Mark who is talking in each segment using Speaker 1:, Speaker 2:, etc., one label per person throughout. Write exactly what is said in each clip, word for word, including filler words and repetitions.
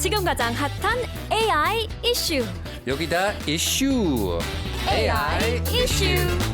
Speaker 1: 지금 가장 핫한 에이아이 이슈.
Speaker 2: 여기다 이슈.
Speaker 1: 에이아이 이슈.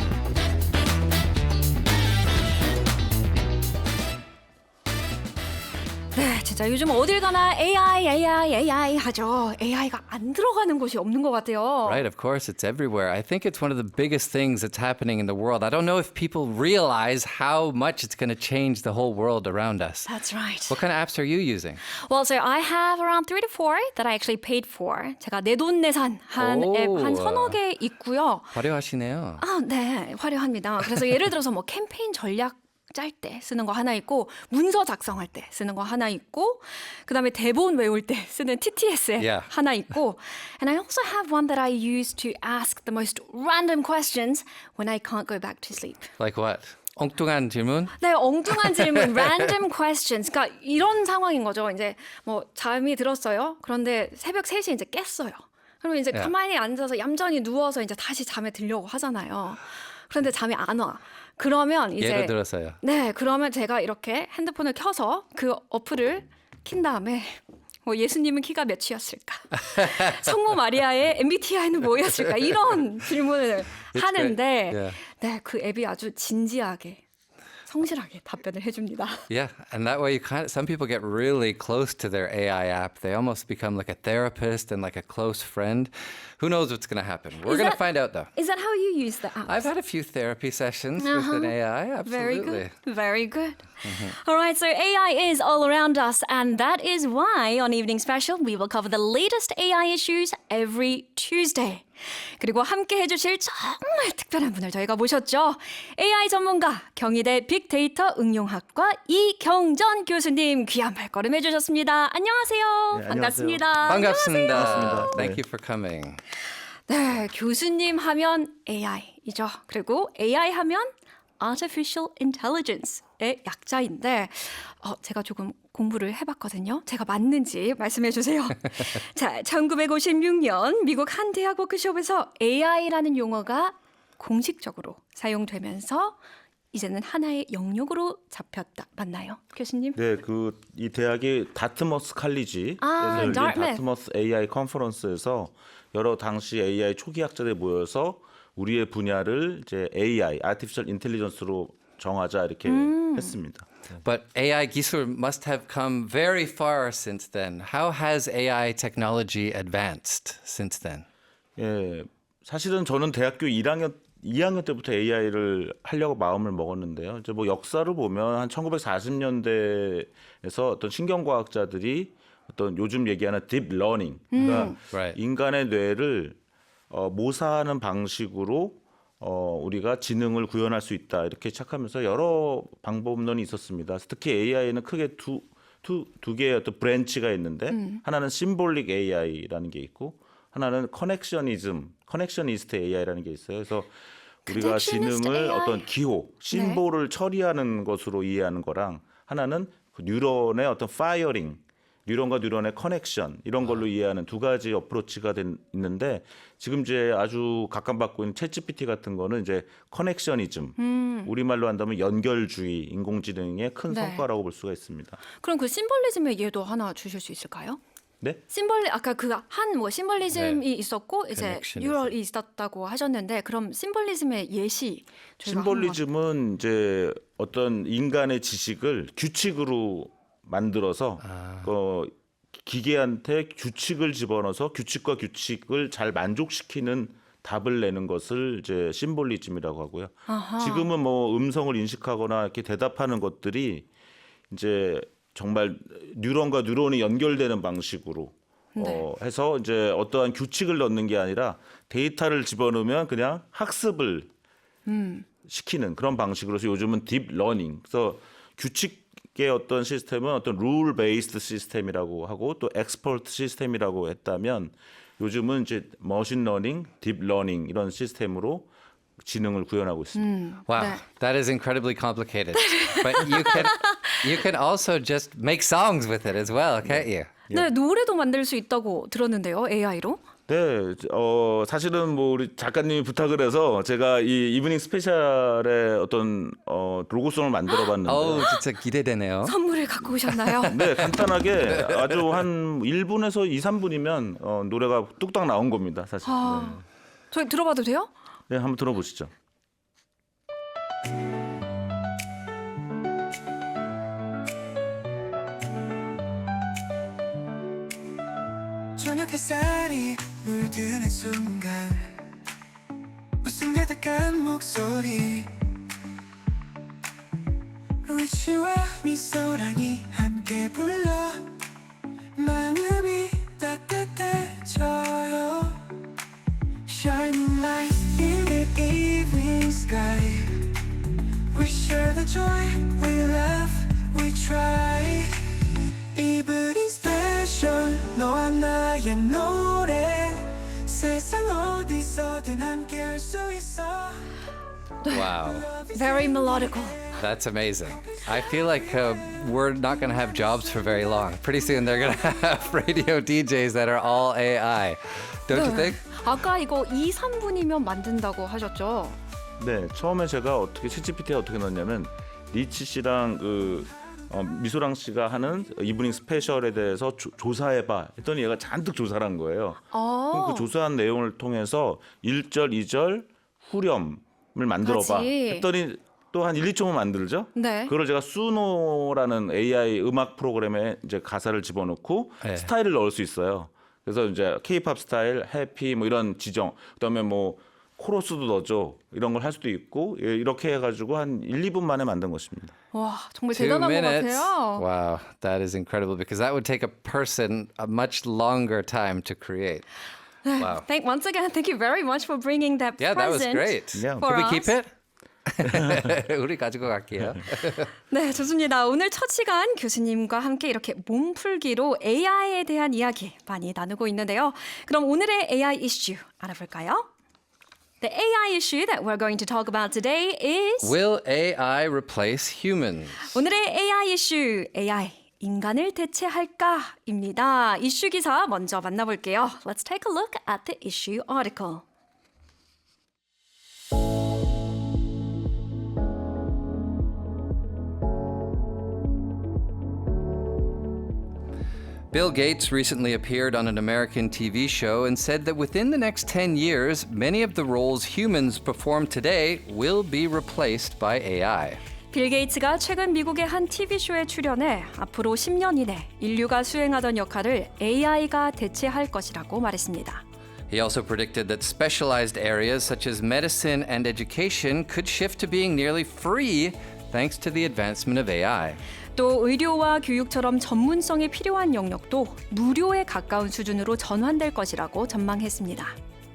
Speaker 1: 네, 진짜 요즘 어딜 가나 에이아이, 에이아이, 에이아이 하죠. 에이아이가 안 들어가는 곳이 없는 것 같아요.
Speaker 2: Right, of course, it's everywhere. I think it's one of the biggest things that's happening in the world. I don't know if people realize how much it's going to change the whole world around us.
Speaker 1: That's right.
Speaker 2: What kind of apps are you using?
Speaker 1: Well, so I have around three to four that I actually paid for. 제가 내돈내산 한
Speaker 2: 오.
Speaker 1: 앱 한 서너 개 있고요.
Speaker 2: 화려하시네요.
Speaker 1: 아, 네, 화려합니다. 그래서 예를 들어서 뭐 캠페인 전략 짤 때 쓰는 거 하나 있고 문서 작성할 때 쓰는 거 하나 있고 그다음에 대본 외울 때 쓰는 티티에스 앱
Speaker 2: Yeah.
Speaker 1: 하나 있고 and I also have one that I use to ask the most random questions when I can't go back to sleep.
Speaker 2: Like what? 엉뚱한 질문?
Speaker 1: 네, 엉뚱한 질문, random questions. 그러니까 이런 상황인 거죠. 이제 뭐 잠이 들었어요. 그런데 새벽 세 시에 이제 깼어요. 그러면 이제
Speaker 2: Yeah.
Speaker 1: 가만히 앉아서 얌전히 누워서 이제 다시 잠에 들려고 하잖아요. 그런데 잠이 안 와. 그러면 이제
Speaker 2: 예를 들어서요.
Speaker 1: 네, 그러면 제가 이렇게 핸드폰을 켜서 그 어플을 킨 다음에 뭐 예수님은 키가 몇이었을까? 성모 마리아의 엠비티아이는 뭐였을까? 이런 질문을 하는데
Speaker 2: great. Yeah.
Speaker 1: 네, 그 앱이 아주 진지하게 성실하게 답변을 해줍니다.
Speaker 2: Yeah, and that way you kind of, some people get really close to their A I app. They almost become like a therapist and like a close friend. Who knows what's going to happen? We're
Speaker 1: Is
Speaker 2: going to
Speaker 1: that-
Speaker 2: find out though.
Speaker 1: Is that how you use the app?
Speaker 2: I've had a few therapy sessions with
Speaker 1: Uh-huh.
Speaker 2: an A I.
Speaker 1: Very
Speaker 2: Absolutely.
Speaker 1: good. Very good. All right, so A I is all around us, and that is why on Evening Special we will cover the latest A I issues every Tuesday. 그리고 함께 해주실 정말 특별한 분을 저희가 모셨죠. 에이아이 전문가, 경희대 빅데이터 응용학과 이경전 교수님 귀한 발걸음 해주셨습니다. 안녕하세요.
Speaker 3: 네,
Speaker 1: 반갑습니다.
Speaker 2: 반갑습니다.
Speaker 3: 반갑습니다.
Speaker 2: Thank
Speaker 3: 네.
Speaker 2: you for coming.
Speaker 1: 네, 교수님 하면 에이아이이죠. 그리고 에이아이 하면 Artificial Intelligence의 약자인데 어, 제가 조금 공부를 해봤거든요. 제가 맞는지 말씀해 주세요. 자, 천구백오십육 년 미국 한 대학 워크숍에서 에이아이라는 용어가 공식적으로 사용되면서 이제는 하나의 영역으로 잡혔다. 맞나요, 교수님?
Speaker 3: 네, 그 이 대학이 다트머스 칼리지에서
Speaker 1: 아,
Speaker 3: 열린
Speaker 1: Dartmouth.
Speaker 3: 다트머스 에이아이 컨퍼런스에서 여러 당시 에이아이 초기 학자들이 모여서 우리의 분야를 이제 에이아이, Artificial Intelligence로 정하자 이렇게 했습니다.
Speaker 2: But A I 기술 must have come very far since then. How has A I technology advanced since then?
Speaker 3: 예, 사실은 저는 대학교 일 학년 이 학년 때부터 에이아이를 하려고 마음을 먹었는데요. 이제 뭐 역사를 보면 한 천구백사십 년대에서 어떤 신경과학자들이 어떤 요즘 얘기하는 딥 러닝, 그러니까
Speaker 2: Right.
Speaker 3: 인간의 뇌를 어, 모사하는 방식으로 어, 우리가 지능을 구현할 수 있다 이렇게 시작하면서 여러 방법론이 있었습니다. 특히 에이아이는 크게 두, 두, 두 개의 어떤 브랜치가 있는데 하나는 심볼릭 에이아이라는 게 있고 하나는 커넥셔니즘, 커넥셔니스트 에이아이라는 게 있어요. 그래서 우리가
Speaker 1: Connectionist
Speaker 3: 지능을
Speaker 1: 에이아이.
Speaker 3: 어떤 기호, 심볼을 처리하는 것으로 이해하는 거랑 하나는 그 뉴런의 어떤 파이어링, 뉴런과 뉴런의 커넥션 이런 걸로 이해하는 두 가지 어프로치가 된- 있는데 지금 이제 아주 각광받고 있는 챗지피티 같은 거는 이제 커넥셔니즘, 우리말로 한다면 연결주의, 인공지능의 큰
Speaker 1: 네.
Speaker 3: 성과라고 볼 수가 있습니다.
Speaker 1: 그럼 그 심볼리즘의 예도 하나 주실 수 있을까요?
Speaker 3: 네?
Speaker 1: 심벌 아까 그 한 뭐 심벌리즘이
Speaker 2: 네.
Speaker 1: 있었고 이제
Speaker 2: Connectionism.
Speaker 1: 뉴럴이 있었다고 하셨는데 그럼 심벌리즘의 예시 저희가 한번-
Speaker 3: 심볼리즘은 이제 어떤 인간의 지식을 규칙으로 만들어서 어, 기계한테 규칙을 집어넣어서 규칙과 규칙을 잘 만족시키는 답을 내는 것을 이제 심볼리즘이라고 하고요.
Speaker 1: 아하.
Speaker 3: 지금은 뭐 음성을 인식하거나 이렇게 대답하는 것들이 이제 정말 뉴런과 뉴런이 연결되는 방식으로 어, 해서 이제 어떠한 규칙을 넣는 게 아니라 데이터를 집어넣으면 그냥 학습을 시키는 그런 방식으로서 요즘은 딥 러닝. 그래서 규칙의 어떤 시스템은 어떤 룰 베이스드 시스템이라고 하고 또 엑스퍼트 시스템이라고 했다면 요즘은 이제 머신 러닝, 딥 러닝 이런 시스템으로 지능을 구현하고 있습니다.
Speaker 2: Wow,
Speaker 1: 네.
Speaker 2: that is incredibly complicated. But you can you can also just make songs with it as well, can't you?
Speaker 1: 네, 노래도 만들 수 있다고 들었는데요, 에이아이로.
Speaker 3: 네, 어 사실은 뭐 우리 작가님이 부탁을 해서 제가 이 이브닝 스페셜의 어떤 어 로고송을 만들어 봤는데
Speaker 2: 어우, 진짜 기대되네요.
Speaker 1: 선물을 갖고 오셨나요?
Speaker 3: 네, 간단하게 아주 한 일 분에서 이, 삼 분이면 어, 노래가 뚝딱 나온 겁니다, 사실.
Speaker 1: 아, 저희 들어봐도 돼요?
Speaker 3: 네. 네, 한번 들어보시죠.
Speaker 4: 저녁 햇살이 물드는 순간 웃음 가득한 목소리 리치와 미소랑이 함께 불러 마음이 따뜻해져요 Shining light in the evening sky We share the joy, we laugh, we try Evening special 너와 나의 노래 세상 어디서든 함께 할 수 있어
Speaker 2: Wow.
Speaker 1: Very melodical.
Speaker 2: That's amazing. I feel like uh, we're not going to have jobs for very long. Pretty soon they're going to have radio D Js that are all A I. Don't you think?
Speaker 1: 아까 이거 이, 삼 분이면 만든다고 하셨죠?
Speaker 3: 네, 처음에 제가 어떻게 챗지피티에 어떻게 넣었냐면 리치 씨랑 그 어, 미소랑 씨가 하는 이브닝 스페셜에 대해서 조, 조사해봐 했더니 얘가 잔뜩 조사를 한 거예요. 그럼
Speaker 1: 어,
Speaker 3: 그 조사한 내용을 통해서 일 절, 이 절 후렴을 만들어봐
Speaker 1: 같이.
Speaker 3: 했더니 또 한 일, 이 초만 만들죠.
Speaker 1: 네.
Speaker 3: 그걸 제가 수노라는 에이아이 음악 프로그램에 이제 가사를 집어넣고
Speaker 2: 네.
Speaker 3: 스타일을 넣을 수 있어요. 그래서 이제 K-팝 스타일, 해피 뭐 이런 지정, 그다음에 뭐 코러스도 넣어줘 이런 걸 할 수도 있고 예, 이렇게 해가지고 한 일, 이 분 만에 만든 것입니다.
Speaker 1: 와, 정말
Speaker 2: Two
Speaker 1: 대단한 것
Speaker 2: minutes.
Speaker 1: 같아요.
Speaker 2: Wow, that is incredible because that would take a person a much longer time to create. Wow.
Speaker 1: Thank once again, thank you very much for bringing that
Speaker 2: Yeah, that was
Speaker 1: present.
Speaker 2: great.
Speaker 3: Yeah.
Speaker 1: for
Speaker 2: Can we keep
Speaker 1: us.
Speaker 2: it? 우리 가지고 갈게요.
Speaker 1: 네, 좋습니다. 오늘 첫 시간 교수님과 함께 이렇게 몸풀기로 에이아이에 대한 이야기 많이 나누고 있는데요. 그럼 오늘의 에이아이 이슈 알아볼까요? The A I issue that we're going to talk about today is
Speaker 2: Will A I replace humans?
Speaker 1: 오늘의 에이아이 이슈 에이아이 인간을 대체할까입니다. 이슈 기사 먼저 만나볼게요. Let's take a look at the issue article.
Speaker 2: Bill Gates recently appeared on an American T V show and said that within the next ten years, many of the roles humans perform today will be replaced by A I.
Speaker 1: 빌 게이츠가 최근 미국의 한 티비쇼에 출연해 앞으로 십 년 이내 인류가 수행하던 역할을 에이아이가 대체할 것이라고 말했습니다.
Speaker 2: He also predicted that specialized areas such as medicine and education could shift to being nearly free thanks to the advancement of A I.
Speaker 1: 또 의료와 교육처럼 전문성이 필요한 영역도 무료에 가까운 수준으로 전환될 것이라고 전망했습니다.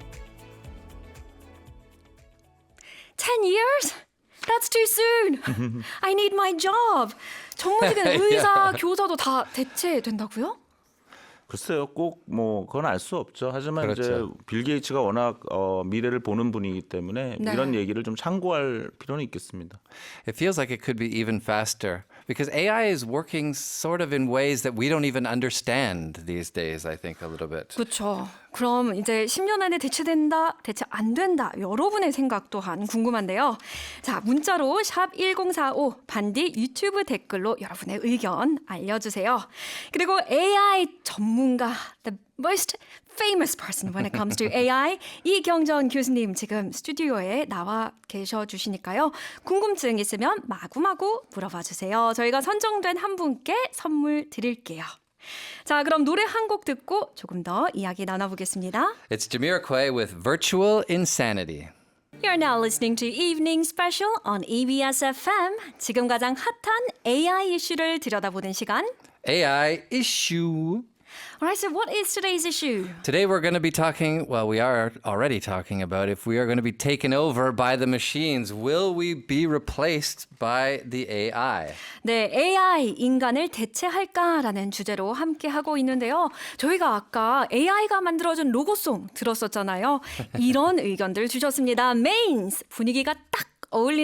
Speaker 1: ten years? That's too soon. I need my job. 정무직은 의사, 교사도 다 대체된다고요?
Speaker 3: 글쎄요, 꼭 뭐 그건 알 수 없죠. 하지만
Speaker 2: 그렇죠.
Speaker 3: 이제 빌 게이츠가 워낙 어, 미래를 보는 분이기 때문에
Speaker 1: 네.
Speaker 3: 이런 얘기를 좀 참고할 필요는 있겠습니다.
Speaker 2: It feels like it could be even faster because A I is working sort of in ways that we don't even understand these days, I think, a little bit.
Speaker 1: 그렇죠. 그럼 이제 십 년 안에 대체된다, 대체 안 된다. 여러분의 생각 또한 궁금한데요. 자, 문자로 샵 일공사오 반디 유튜브 댓글로 여러분의 의견 알려주세요. 그리고 에이아이 전문가, the most famous person when it comes to 에이아이, 이경전 교수님 지금 스튜디오에 나와 계셔 주시니까요. 궁금증 있으면 마구마구 물어봐 주세요. 저희가 선정된 한 분께 선물 드릴게요. 자, 그럼 노래 한 곡 듣고 조금 더 이야기 나눠보겠습니다.
Speaker 2: It's Jamiroquai with Virtual Insanity.
Speaker 1: You're now listening to Evening Special on 이비에스 에프엠. 지금 가장 핫한 에이아이 이슈를 들여다보는 시간.
Speaker 2: A I issue.
Speaker 1: Alright, so what is today's issue?
Speaker 2: Today we're going to be talking, well, we are already talking about if we are going to be taken over by the machines. Will we be replaced by the A I?
Speaker 1: 네, 에이아이 인간을 대체할까라는 주제로 함께 하고 있는데요. 저희가 아까 에이아이가 만들어준 로고송 들었었잖아요. 이런 의견들 주셨습니다. 메인스 분위기가 딱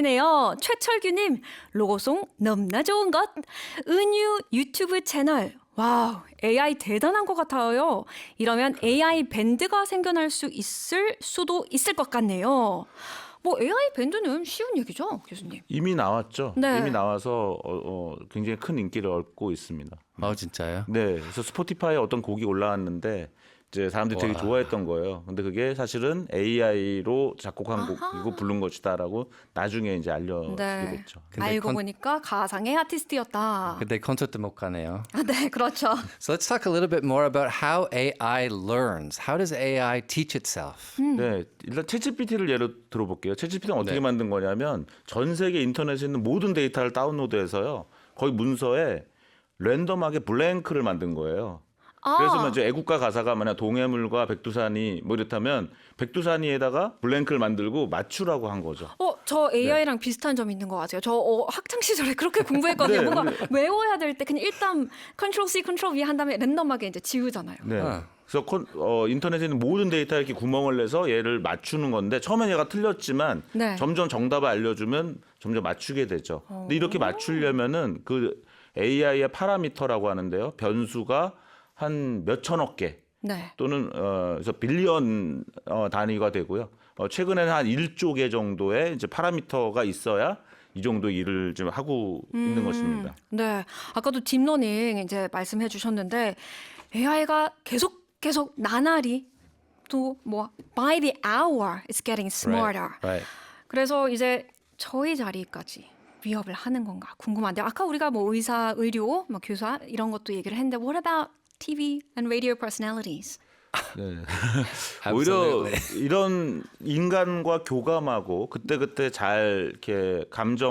Speaker 1: 어울리네요. 최철규님 로고송 넘나 좋은 것. 은유 유튜브 채널 와우, 에이아이 대단한 것 같아요. 이러면 에이아이 밴드가 생겨날 수 있을 수도 있을 것 같네요. 뭐 에이아이 밴드는 쉬운 얘기죠, 교수님.
Speaker 3: 이미 나왔죠.
Speaker 1: 네.
Speaker 3: 이미 나와서 어, 어, 굉장히 큰 인기를 얻고 있습니다.
Speaker 2: 어, 진짜요?
Speaker 3: 네, 그래서 스포티파이에 어떤 곡이 올라왔는데 이제 사람들이 되게
Speaker 2: 와.
Speaker 3: 좋아했던 거예요. 근데 그게 사실은 에이아이로 작곡한 곡이고 부른 것이다라고 나중에 이제 알려지게
Speaker 1: 네.
Speaker 3: 됐죠.
Speaker 2: 근데
Speaker 1: 알고
Speaker 2: 컨-
Speaker 1: 보니까 가상의 아티스트였다.
Speaker 2: 근데 콘서트 못 가네요.
Speaker 1: 아, 네, 그렇죠.
Speaker 2: So let's talk a little bit more about how A I learns. How does A I teach itself?
Speaker 3: 네, 일단 챗지피티를 예로 들어볼게요. 챗지피티는 어떻게
Speaker 2: 네. 만든
Speaker 3: 만든 거냐면 전 세계 인터넷에 있는 모든 데이터를 다운로드해서요. 거의 문서에 랜덤하게 블랭크를 만든 거예요.
Speaker 1: 아,
Speaker 3: 그래서 뭐 이제 애국가 가사가 만약 동해물과 백두산이 뭐 이렇다면 백두산이에다가 블랭크를 만들고 맞추라고 한 거죠.
Speaker 1: 어, 저 에이아이랑 비슷한 점이 있는 것 같아요. 저 어, 학창 시절에 그렇게 공부했거든요.
Speaker 3: 네,
Speaker 1: 뭔가
Speaker 3: 네.
Speaker 1: 외워야 될 때 그냥 일단 컨트롤 C, 컨트롤 V 한 다음에 랜덤하게 이제 지우잖아요.
Speaker 3: 네.
Speaker 2: 아.
Speaker 3: 그래서 콘- 어, 인터넷에 있는 모든 데이터에 이렇게 구멍을 내서 얘를 맞추는 건데 처음엔 얘가 틀렸지만
Speaker 1: 네.
Speaker 3: 점점 정답을 알려주면 점점 맞추게 되죠. 근데 이렇게 맞추려면은 그 에이아이의 파라미터라고 하는데요. 변수가 한 몇천억 개
Speaker 1: 네.
Speaker 3: 또는 어, 그래서 빌리언 어, 단위가 되고요. 어, 최근에는 한 일조 개 정도의 이제 파라미터가 있어야 이 정도 일을 좀 하고 있는 것입니다.
Speaker 1: 네. 아까도 딥러닝 이제 말씀해 주셨는데 에이아이가 계속 계속 나날이 또 뭐 by the hour it's getting smarter.
Speaker 2: Right. right.
Speaker 1: 그래서 이제 저희 자리까지 위협을 하는 건가 궁금한데 아까 우리가 뭐 의사, 의료, 뭐 교사 이런 것도 얘기를 했는데 what about 티비 and radio personalities?
Speaker 3: 네. 오히려
Speaker 2: Absolutely.
Speaker 3: 이런 인간과 교감하고 그때그때 잘 이렇게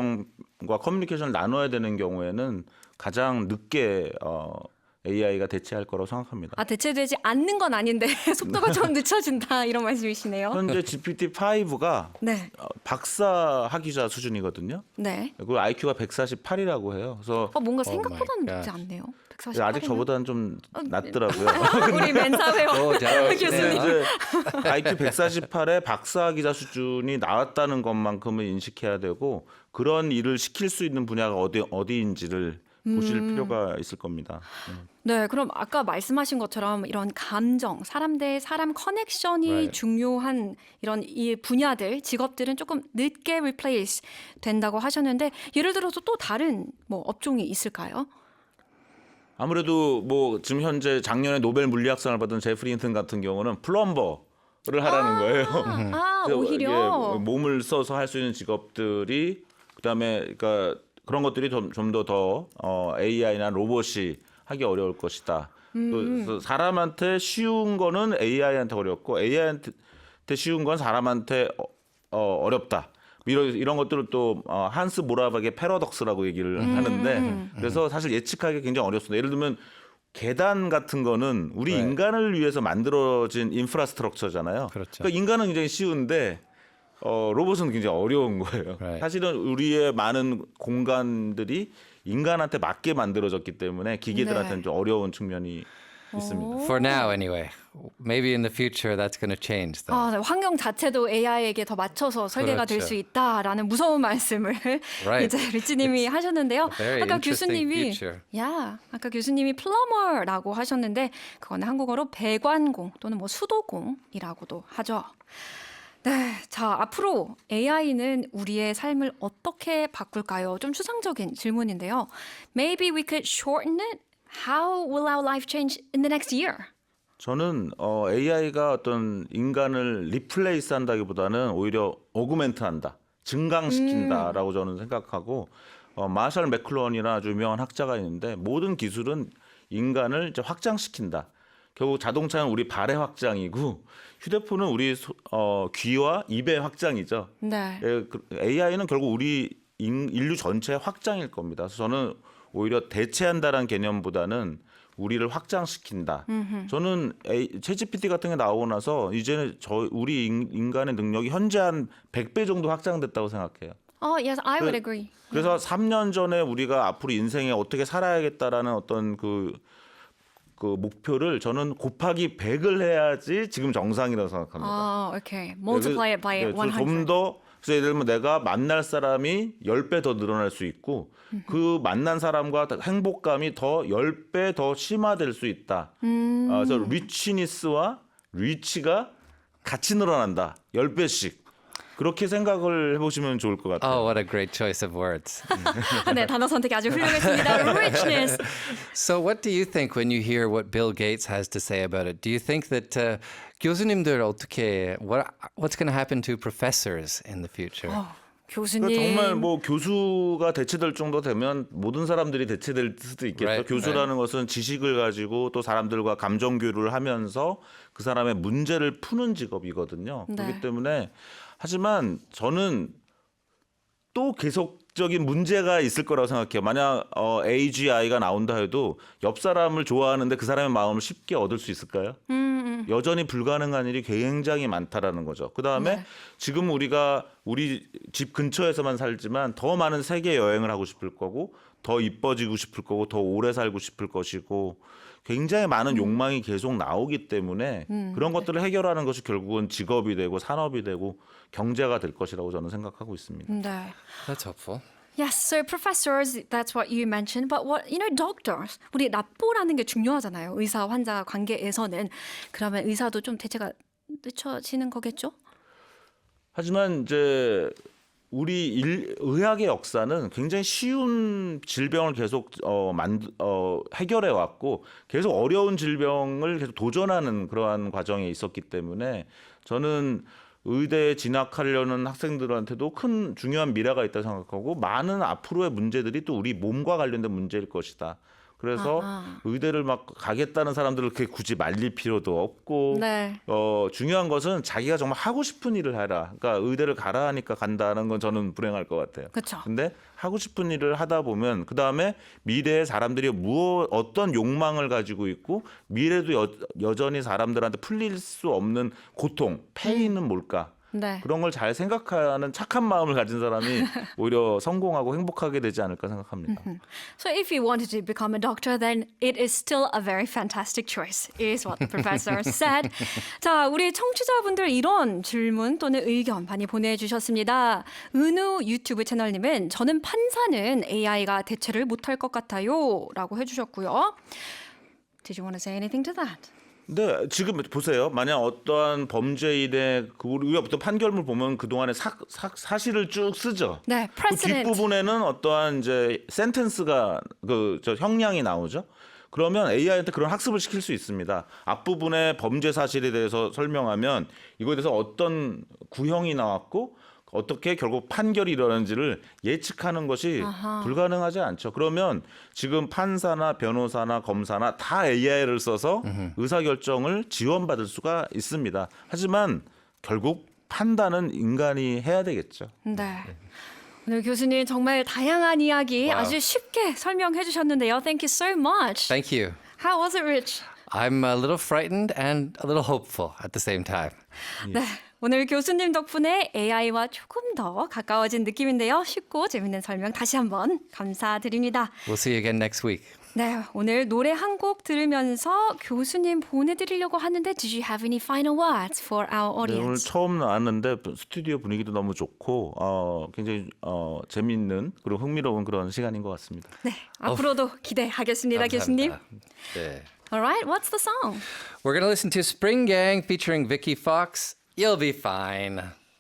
Speaker 3: 감정과 커뮤니케이션을 나눠야 되는 경우에는 가장 늦게 어, 에이아이가 대체할 거라고 생각합니다.
Speaker 1: 아 대체되지 않는 건 아닌데 속도가 좀 늦춰진다 이런 말씀이시네요.
Speaker 3: 현재 지피티 파이브가
Speaker 1: 네,
Speaker 3: 어, 박사 학위자 수준이거든요.
Speaker 1: 네.
Speaker 3: 그리고 아이큐가 백사십팔이라고 해요. 그래서
Speaker 1: 어 뭔가
Speaker 2: Oh my
Speaker 1: 생각보다는 늦지
Speaker 2: gosh.
Speaker 1: 않네요. 백사십팔
Speaker 3: 아직 저보다는 좀 낮더라고요.
Speaker 1: 우리 멘사 회원
Speaker 2: 오, 잘하시네요.
Speaker 1: 교수님.
Speaker 3: 이제 아이큐 백사십팔에 박사 기자 수준이 나왔다는 것만큼은 인식해야 되고 그런 일을 시킬 수 있는 분야가 어디 어디인지를 보실 필요가 있을 겁니다.
Speaker 1: 네, 그럼 아까 말씀하신 것처럼 이런 감정, 사람 대 사람 커넥션이
Speaker 2: Right.
Speaker 1: 중요한 이런 이 분야들, 직업들은 조금 늦게 replace 된다고 하셨는데 예를 들어서 또 다른 뭐 업종이 있을까요?
Speaker 3: 아무래도 뭐 지금 현재 작년에 노벨 물리학상을 받은 제프리 힌튼 같은 경우는 플럼버를 하라는 거예요.
Speaker 1: 아,
Speaker 3: 그래서
Speaker 1: 오히려
Speaker 3: 이게 몸을 써서 할 수 있는 직업들이 그다음에 그러니까 그런 것들이 좀 좀 더 더 어, 에이아이나 로봇이 하기 어려울 것이다. 그래서 사람한테 쉬운 거는 에이아이한테 어렵고 에이아이한테 쉬운 건 사람한테 어, 어, 어렵다. 이런 이런 것들을 또 어, 한스 모라박의 패러독스라고 얘기를 하는데 그래서 사실 예측하기 굉장히 어렵습니다. 예를 들면 계단 같은 거는 우리
Speaker 2: 네.
Speaker 3: 인간을 위해서 만들어진 인프라스트럭처잖아요.
Speaker 2: 그렇죠.
Speaker 3: 그러니까 인간은 굉장히 쉬운데 어, 로봇은 굉장히 어려운 거예요.
Speaker 2: Right.
Speaker 3: 사실은 우리의 많은 공간들이 인간한테 맞게 만들어졌기 때문에 기계들한테는
Speaker 1: 네.
Speaker 3: 좀 어려운 측면이 있습니다.
Speaker 2: For now, anyway. Maybe in the future that's going to change, though.
Speaker 1: 아, 네, 환경 자체도 에이아이에게 더 맞춰서 설계가 될
Speaker 2: 그렇죠.
Speaker 1: 수 있다라는 무서운 말씀을
Speaker 2: Right.
Speaker 1: 이제 리치님이 하셨는데요.
Speaker 2: very
Speaker 1: 아까
Speaker 2: interesting
Speaker 1: 교수님이
Speaker 2: future.
Speaker 1: 야, 아까 교수님이 플러머라고 하셨는데 그거는 한국어로 배관공 또는 뭐 수도공이라고도 하죠. 네, 자 앞으로 에이아이는 우리의 삶을 어떻게 바꿀까요? 좀 추상적인 질문인데요. Maybe we could shorten it. How will our life change in the next year?
Speaker 3: 저는 어, 에이아이가 어떤 인간을 리플레이스 한다기보다는 오히려 오그멘트한다, 증강시킨다라고 저는 생각하고 어, 마샬 맥클론이나 아주 유명한 학자가 있는데 모든 기술은 인간을 이제 확장시킨다. 결국 자동차는 우리 발의 확장이고 휴대폰은 우리 소, 어, 귀와 입의 확장이죠.
Speaker 1: 네.
Speaker 3: 예, 그 에이아이는 결국 우리 인, 인류 전체의 확장일 겁니다. 그래서 저는 오히려 대체한다라는 개념보다는 우리를 확장시킨다.
Speaker 1: 음흠.
Speaker 3: 저는 에이, 챗지피티 같은 게 나오고 나서 이제는 저 우리 인, 인간의 능력이 현재 한 백 배 정도 확장됐다고 생각해요.
Speaker 1: Oh, yes, I would
Speaker 3: 그-
Speaker 1: agree.
Speaker 3: 그래서 삼 년 전에 우리가 앞으로 인생에 어떻게 살아야겠다라는 어떤 그, 그 목표를 저는 곱하기 백을 해야지 지금 정상이라고 생각합니다.
Speaker 1: 아, okay. Multiply it by
Speaker 3: 네,
Speaker 1: one hundred.
Speaker 3: 좀더 그래서 예를 들면 내가 만날 사람이 열 배 더 늘어날 수 있고 그 만난 사람과 행복감이 더 열 배 더 심화될 수 있다.
Speaker 1: 음.
Speaker 3: 아, 그래서 리치니스와 리치가 같이 늘어난다. 열 배씩. 그렇게 생각을 해보시면 좋을 것 같아요.
Speaker 2: Oh, what a great choice of words.
Speaker 1: 네, 단어 선택이 아주 훌륭했습니다. richness.
Speaker 2: So, what do you think when you hear what Bill Gates has to say about it? Do you think that uh, 교수님들 어떻게 what what's going to happen to professors in the future?
Speaker 1: 교수님.
Speaker 3: 그러니까 정말 뭐 교수가 대체될 정도 되면 모든 사람들이 대체될 수도 있겠죠.
Speaker 2: Right,
Speaker 3: 교수라는 것은 지식을 가지고 또 사람들과 감정 교류를 하면서 그 사람의 문제를 푸는 직업이거든요.
Speaker 1: 네.
Speaker 3: 그렇기 때문에 하지만 저는 또 계속적인 문제가 있을 거라고 생각해요. 만약 어, 에이지아이가 나온다 해도 옆 사람을 좋아하는데 그 사람의 마음을 쉽게 얻을 수 있을까요? 여전히 불가능한 일이 굉장히 많다라는 거죠. 그 다음에
Speaker 1: 네.
Speaker 3: 지금 우리가 우리 집 근처에서만 살지만 더 많은 세계 여행을 하고 싶을 거고 더 이뻐지고 싶을 거고 더 오래 살고 싶을 것이고 굉장히 많은 욕망이 계속 나오기 때문에 그런 것들을 해결하는 것이 결국은 직업이 되고 산업이 되고 경제가 될 것이라고 저는 생각하고 있습니다.
Speaker 1: 네.
Speaker 2: That's hopeful.
Speaker 1: Yes, so professors, that's what you mentioned. But what, you know, doctors. 우리 납보라는 게 중요하잖아요. 의사 환자 관계에서는. 그러면 의사도 좀 대체가 늦춰지는 거겠죠?
Speaker 3: 하지만 이제 우리 일, 의학의 역사는 굉장히 쉬운 질병을 계속 어, 만, 어, 해결해 왔고 계속 어려운 질병을 계속 도전하는 그러한 과정에 있었기 때문에 저는 의대에 진학하려는 학생들한테도 큰 중요한 미래가 있다고 생각하고 많은 앞으로의 문제들이 또 우리 몸과 관련된 문제일 것이다. 그래서
Speaker 1: 아하.
Speaker 3: 의대를 막 가겠다는 사람들을 그렇게 굳이 말릴 필요도 없고
Speaker 1: 네.
Speaker 3: 어, 중요한 것은 자기가 정말 하고 싶은 일을 해라. 그러니까 의대를 가라 하니까 간다는 건 저는 불행할 것 같아요.
Speaker 1: 그쵸.
Speaker 3: 근데 하고 싶은 일을 하다 보면 그 다음에 미래에 사람들이 무엇 어떤 욕망을 가지고 있고 미래도 여, 여전히 사람들한테 풀릴 수 없는 고통, 페인은 뭘까?
Speaker 1: 네.
Speaker 3: 그런 걸 잘 생각하는 착한 마음을 가진 사람이 오히려 성공하고 행복하게 되지 않을까 생각합니다.
Speaker 1: So if you wanted to become a doctor, then it is still a very fantastic choice, is what the professor said. 자, 우리 청취자분들 이런 질문 또는 의견 많이 보내주셨습니다. 은우 유튜브 채널님은 저는 판사는 에이아이가 대체를 못할 것 같아요 라고 해주셨고요. Did you want to say anything to that?
Speaker 3: 네, 지금 보세요. 만약 어떠한 범죄인의 그 우리가 보통 판결문 보면 그 동안에 사, 사, 사실을 쭉 쓰죠.
Speaker 1: 네,
Speaker 3: 그
Speaker 1: precedent.
Speaker 3: 뒷부분에는 어떠한 이제 센텐스가 그 저 형량이 나오죠. 그러면 에이아이한테 그런 학습을 시킬 수 있습니다. 앞부분에 범죄 사실에 대해서 설명하면 이거에 대해서 어떤 구형이 나왔고 어떻게 결국 판결이 일어나는지를 예측하는 것이
Speaker 1: 아하.
Speaker 3: 불가능하지 않죠. 그러면 지금 판사나 변호사나 검사나 다 에이아이를 써서 의사결정을 지원받을 수가 있습니다. 하지만 결국 판단은 인간이 해야 되겠죠.
Speaker 1: 네. 오늘 교수님 정말 다양한 이야기
Speaker 2: Wow.
Speaker 1: 아주 쉽게 설명해 주셨는데요. Thank you so much.
Speaker 2: Thank you.
Speaker 1: How was it, Rich?
Speaker 2: I'm a little frightened and a little hopeful at the same time.
Speaker 1: 네. 오늘 교수님 덕분에 에이아이와 조금 더 가까워진 느낌인데요. 쉽고 재밌는 설명 다시 한번 감사드립니다.
Speaker 2: We'll see you again next week.
Speaker 1: 네, 오늘 노래 한 곡 들으면서 교수님 보내드리려고 하는데 Did you have any final words for our
Speaker 3: 네, 오늘
Speaker 1: audience?
Speaker 3: 처음 나왔는데 스튜디오 분위기도 너무 좋고 어, 굉장히 어, 재미있는 그리고 흥미로운 그런 시간인 것 같습니다.
Speaker 1: 네, 앞으로도 기대하겠습니다, 교수님.
Speaker 2: 감사합니다. 네.
Speaker 1: Alright, what's the song?
Speaker 2: We're going to listen to Spring Gang featuring Vicky Fox. You'll be fine.